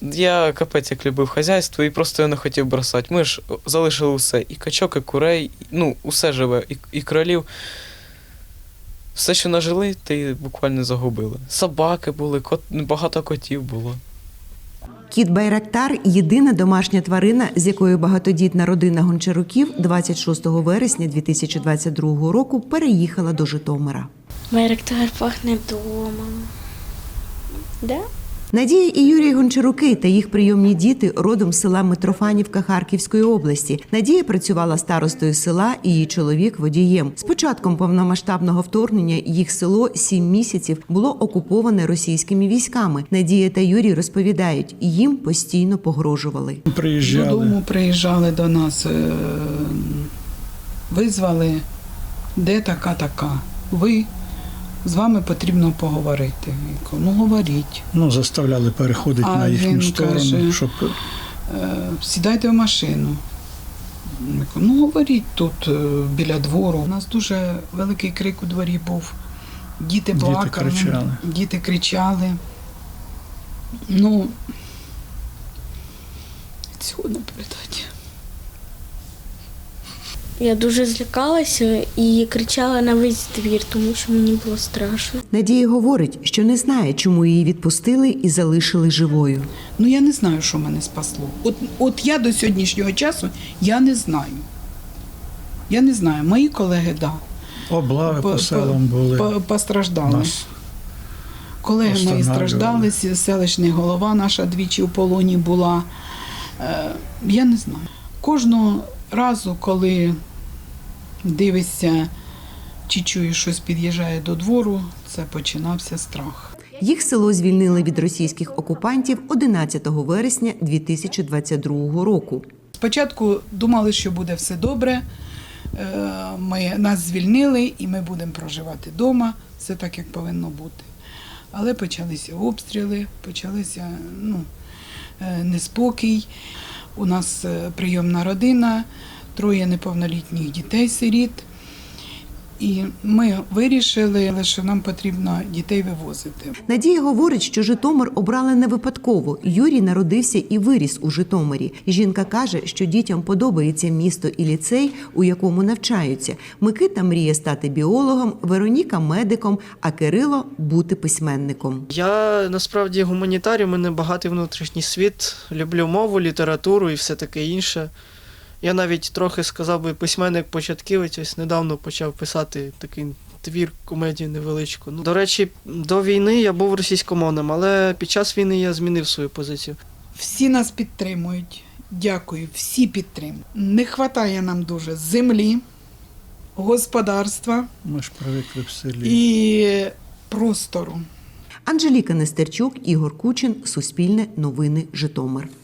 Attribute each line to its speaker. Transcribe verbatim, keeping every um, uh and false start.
Speaker 1: Я капець як любив хазяйство і просто його не хотів бросати. Ми ж залишили усе, і качок, і курей, ну, усе живе, і, і кролів. Все, що нажили, ти буквально загубили. Собаки були, кот, багато котів було.
Speaker 2: Кіт Байрактар – єдина домашня тварина, з якою багатодітна родина Гончаруків двадцять шостого вересня дві тисячі двадцять другого року переїхала до Житомира.
Speaker 3: Байрактар пахне домом. Да?
Speaker 2: Надія і Юрій Гончаруки та їх прийомні діти родом з села Митрофанівка Харківської області. Надія працювала старостою села і її чоловік – водієм. З початком повномасштабного вторгнення їх село сім місяців було окуповане російськими військами. Надія та Юрій розповідають, їм постійно погрожували.
Speaker 4: Приїжджали. Додому приїжджали до нас, визвали, де така-така, ви. З вами потрібно поговорити. Ну, говоріть.
Speaker 5: Ну, заставляли переходити
Speaker 4: а
Speaker 5: на їхню сторону,
Speaker 4: каже,
Speaker 5: щоб...
Speaker 4: Сідайте в машину. Ну, говоріть тут, біля двору. У нас дуже великий крик у дворі був. Діти плакали,
Speaker 5: діти кричали.
Speaker 4: Діти кричали. Ну, цього не передати.
Speaker 3: Я дуже злякалася і кричала на весь двір, тому що мені було страшно.
Speaker 2: Надія говорить, що не знає, чому її відпустили і залишили живою.
Speaker 4: Ну, я не знаю, що мене спасло. От, от я до сьогоднішнього часу, я не знаю. Я не знаю. Мої колеги, так. Да.
Speaker 5: Облави по, по селам були.
Speaker 4: По, постраждали. Нас колеги мої страждали, селищний голова наша двічі у полоні була. Е, я не знаю. Кожного разу, коли дивишся чи чуєш, щось під'їжджає до двору, це починався страх.
Speaker 2: Їх село звільнили від російських окупантів одинадцятого вересня дві тисячі двадцять другого року.
Speaker 4: Спочатку думали, що буде все добре, ми, нас звільнили і ми будемо проживати вдома, все так, як повинно бути. Але почалися обстріли, почалися ну, неспокій. У нас прийомна родина, троє неповнолітніх дітей-сиріт. І ми вирішили, що нам потрібно дітей вивозити.
Speaker 2: Надія говорить, що Житомир обрали не випадково. Юрій народився і виріс у Житомирі. Жінка каже, що дітям подобається місто і ліцей, у якому навчаються. Микита мріє стати біологом, Вероніка – медиком, а Кирило – бути письменником.
Speaker 6: Я насправді гуманітарій, у мене багатий внутрішній світ, люблю мову, літературу і все таке інше. Я навіть трохи, сказав би, письменник-початківець, ось недавно почав писати такий твір, комедію невеличку. Ну, до речі, до війни я був російськомовним, але під час війни я змінив свою позицію.
Speaker 4: Всі нас підтримують. Дякую, всі підтримують. Не вистачає нам дуже землі, господарства.
Speaker 5: Ми ж привикли в селі.
Speaker 4: І простору.
Speaker 2: Анжеліка Нестерчук, Ігор Кучин, Суспільне новини, Житомир.